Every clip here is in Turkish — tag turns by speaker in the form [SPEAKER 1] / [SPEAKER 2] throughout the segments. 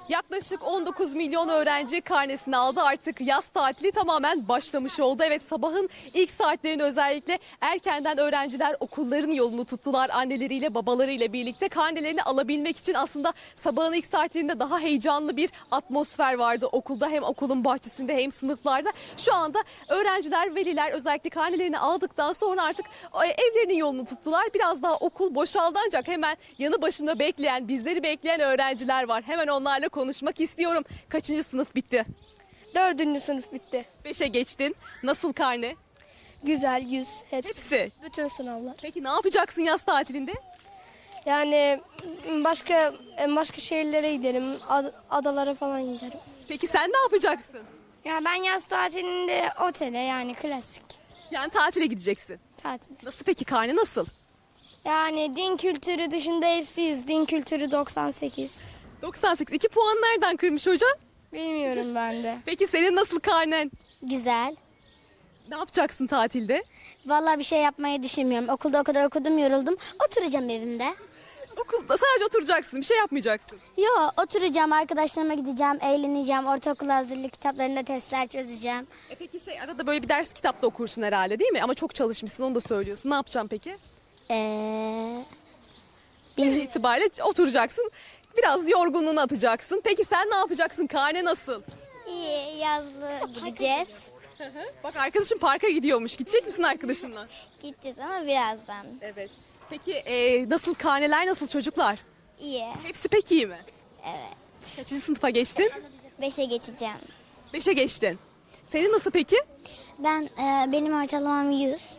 [SPEAKER 1] Yaklaşık 19 milyon öğrenci karnesini aldı. Artık yaz tatili tamamen başlamış oldu. Evet, sabahın ilk saatlerinde özellikle erkenden öğrenciler okulların yolunu tuttular. Anneleriyle babalarıyla birlikte karnelerini alabilmek için aslında sabahın ilk saatlerinde daha heyecanlı bir atmosfer vardı okulda. Hem okulun bahçesinde hem sınıflarda. Şu anda öğrenciler, veliler özellikle karnelerini aldıktan sonra artık evlerinin yolunu tuttular. Biraz daha okul boşaldı ancak hemen yanı başımda bekleyen, bizleri bekleyen öğrenciler var. Hemen onlarla konuşmak istiyorum. Kaçıncı sınıf bitti?
[SPEAKER 2] 4. sınıf bitti.
[SPEAKER 1] 5'e geçtin. Nasıl karne?
[SPEAKER 2] Güzel, 100 hepsi.
[SPEAKER 1] Hepsi.
[SPEAKER 2] Bütün sınavlar.
[SPEAKER 1] Peki ne yapacaksın yaz tatilinde?
[SPEAKER 2] Yani başka şehirlere giderim, adalara falan giderim.
[SPEAKER 1] Peki sen ne yapacaksın?
[SPEAKER 3] Ya ben yaz tatilinde otele yani klasik
[SPEAKER 1] Yani tatile gideceksin.
[SPEAKER 3] tatil.
[SPEAKER 1] Nasıl peki, karne nasıl?
[SPEAKER 3] Yani din kültürü dışında hepsi 100, din kültürü 98.
[SPEAKER 1] 98. 2 puan nereden kırmış hocam?
[SPEAKER 3] Bilmiyorum ben de.
[SPEAKER 1] Peki senin nasıl karnen?
[SPEAKER 4] Güzel.
[SPEAKER 1] Ne yapacaksın tatilde?
[SPEAKER 4] Vallahi bir şey yapmayı düşünmüyorum. Okulda o kadar okudum, yoruldum. Oturacağım evimde.
[SPEAKER 1] Okulda sadece oturacaksın, bir şey yapmayacaksın.
[SPEAKER 4] Yo, oturacağım, arkadaşlarıma gideceğim, eğleneceğim. Ortaokul hazırlık kitaplarında testler çözeceğim.
[SPEAKER 1] Peki arada böyle bir ders kitap da okursun herhalde, değil mi? Ama çok çalışmışsın, onu da söylüyorsun. Ne yapacaksın peki? Genel itibariyle oturacaksın. Biraz yorgunluğunu atacaksın. Peki sen ne yapacaksın? Karne nasıl?
[SPEAKER 4] İyi, yazlı gideceğiz.
[SPEAKER 1] Bak, arkadaşın parka gidiyormuş. Gidecek misin arkadaşınla?
[SPEAKER 4] Gideceğiz ama birazdan.
[SPEAKER 1] Evet. Peki nasıl karneler, nasıl çocuklar?
[SPEAKER 4] İyi.
[SPEAKER 1] Hepsi pek iyi mi?
[SPEAKER 4] Evet.
[SPEAKER 1] Kaçıncı sınıfa geçtin?
[SPEAKER 4] 5'e geçeceğim.
[SPEAKER 1] 5'e geçtin. Senin nasıl peki?
[SPEAKER 4] Benim ortalamam 100.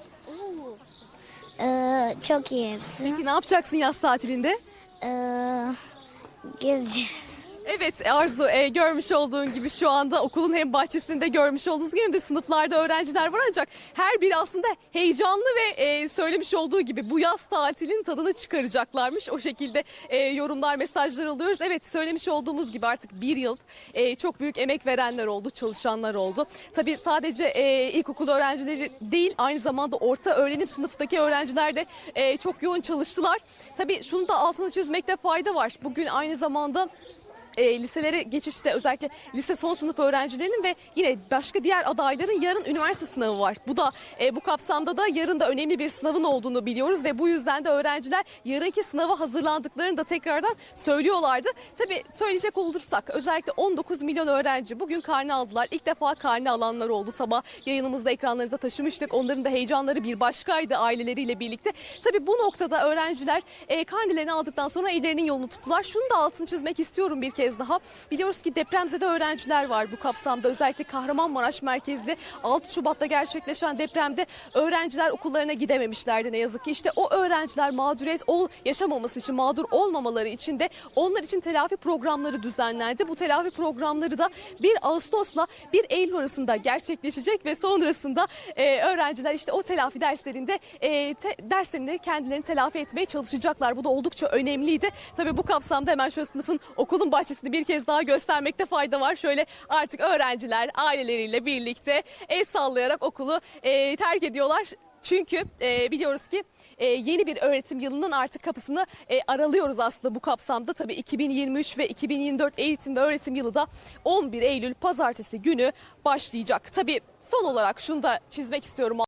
[SPEAKER 4] Çok iyi hepsi.
[SPEAKER 1] Peki ne yapacaksın yaz tatilinde?
[SPEAKER 4] Gezeceğiz.
[SPEAKER 1] Evet Arzu, görmüş olduğun gibi şu anda okulun hem bahçesinde görmüş olduğunuz gibi hem de sınıflarda öğrenciler var, ancak her biri aslında heyecanlı ve söylemiş olduğu gibi bu yaz tatilin tadını çıkaracaklarmış. O şekilde yorumlar, mesajlar alıyoruz. Evet, söylemiş olduğumuz gibi artık bir yıl çok büyük emek verenler oldu, çalışanlar oldu. Tabii sadece ilkokul öğrencileri değil, aynı zamanda orta öğrenim sınıftaki öğrenciler de çok yoğun çalıştılar. Tabii şunu da altını çizmekte fayda var. Bugün aynı zamanda liselere geçişte özellikle lise son sınıf öğrencilerinin ve yine başka diğer adayların yarın üniversite sınavı var. Bu da bu kapsamda da yarın da önemli bir sınavın olduğunu biliyoruz ve bu yüzden de öğrenciler yarınki sınava hazırlandıklarını da tekrardan söylüyorlardı. Tabii söyleyecek olursak özellikle 19 milyon öğrenci bugün karne aldılar. İlk defa karne alanlar oldu. Sabah yayınımızda ekranlarınıza taşımıştık. Onların da heyecanları bir başkaydı aileleriyle birlikte. Tabii bu noktada öğrenciler karnelerini aldıktan sonra evlerinin yolunu tuttular. Şunu da altını çizmek istiyorum bir kez daha. Biliyoruz ki depremzede öğrenciler var bu kapsamda. Özellikle Kahramanmaraş merkezli 6 Şubat'ta gerçekleşen depremde öğrenciler okullarına gidememişlerdi ne yazık ki. İşte o öğrenciler mağduriyet yaşamaması için, mağdur olmamaları için de onlar için telafi programları düzenlendi. Bu telafi programları da 1 Ağustos'la 1 Eylül arasında gerçekleşecek ve sonrasında öğrenciler işte o telafi derslerinde derslerini kendilerini telafi etmeye çalışacaklar. Bu da oldukça önemliydi. Tabii bu kapsamda hemen şöyle sınıfın, okulun bahçesinde bir kez daha göstermekte fayda var. Şöyle artık öğrenciler aileleriyle birlikte el sallayarak okulu terk ediyorlar. Çünkü biliyoruz ki yeni bir öğretim yılının artık kapısını aralıyoruz aslında bu kapsamda. Tabii 2023 ve 2024 eğitim ve öğretim yılı da 11 Eylül pazartesi günü başlayacak. Tabii son olarak şunu da çizmek istiyorum.